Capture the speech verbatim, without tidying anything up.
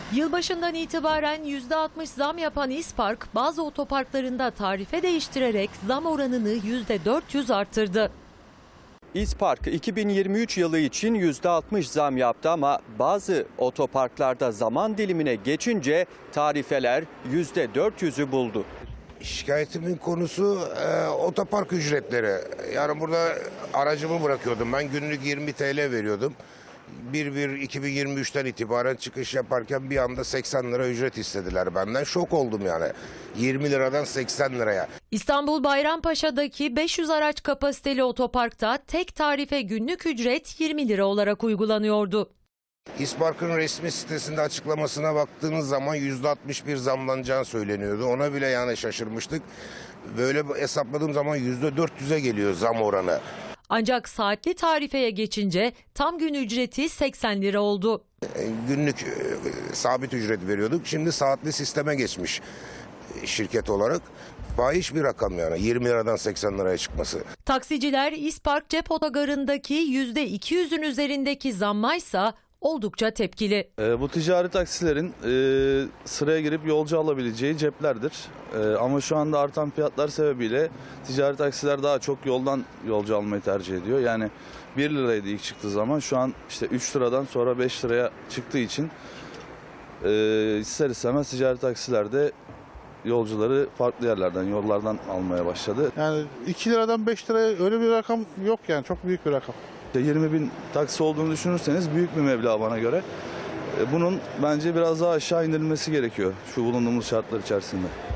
Yılbaşından itibaren yüzde altmış zam yapan İspark, bazı otoparklarında tarife değiştirerek zam oranını yüzde dört yüz arttırdı. İspark iki bin yirmi üç yılı için yüzde altmış zam yaptı ama bazı otoparklarda zaman dilimine geçince tarifeler yüzde dört yüzü buldu. Şikayetimin konusu e, otopark ücretleri. Yani burada aracımı bırakıyordum. Ben günlük yirmi T L veriyordum. bir bir iki bin yirmi üçten itibaren çıkış yaparken bir anda seksen lira ücret istediler benden. Şok oldum yani. yirmi liradan seksen liraya. İstanbul Bayrampaşa'daki beş yüz araç kapasiteli otoparkta tek tarife günlük ücret yirmi lira olarak uygulanıyordu. İspark'ın resmi sitesinde açıklamasına baktığınız zaman yüzde altmış bir zamlanacağı söyleniyordu. Ona bile yani şaşırmıştık. Böyle hesapladığım zaman yüzde dört yüze geliyor zam oranı. Ancak saatli tarifeye geçince tam gün ücreti seksen lira oldu. Günlük e, sabit ücret veriyorduk. Şimdi saatli sisteme geçmiş şirket olarak. Fahiş bir rakam yani yirmi liradan seksen liraya çıkması. Taksiciler İspark cep otogarındaki yüzde iki yüzün üzerindeki zammaysa oldukça tepkili. E, bu ticari taksilerin e, sıraya girip yolcu alabileceği ceplerdir. E, ama şu anda artan fiyatlar sebebiyle ticari taksiler daha çok yoldan yolcu almayı tercih ediyor. Yani bir liraydı ilk çıktığı zaman, şu an işte üç liradan sonra beş liraya çıktığı için e, ister istemez ticari taksiler de yolcuları farklı yerlerden, yollardan almaya başladı. Yani iki liradan beş liraya öyle bir rakam yok yani, çok büyük bir rakam. yirmi bin taksi olduğunu düşünürseniz büyük bir meblağ bana göre. Bunun bence biraz daha aşağı indirilmesi gerekiyor şu bulunduğumuz şartlar içerisinde.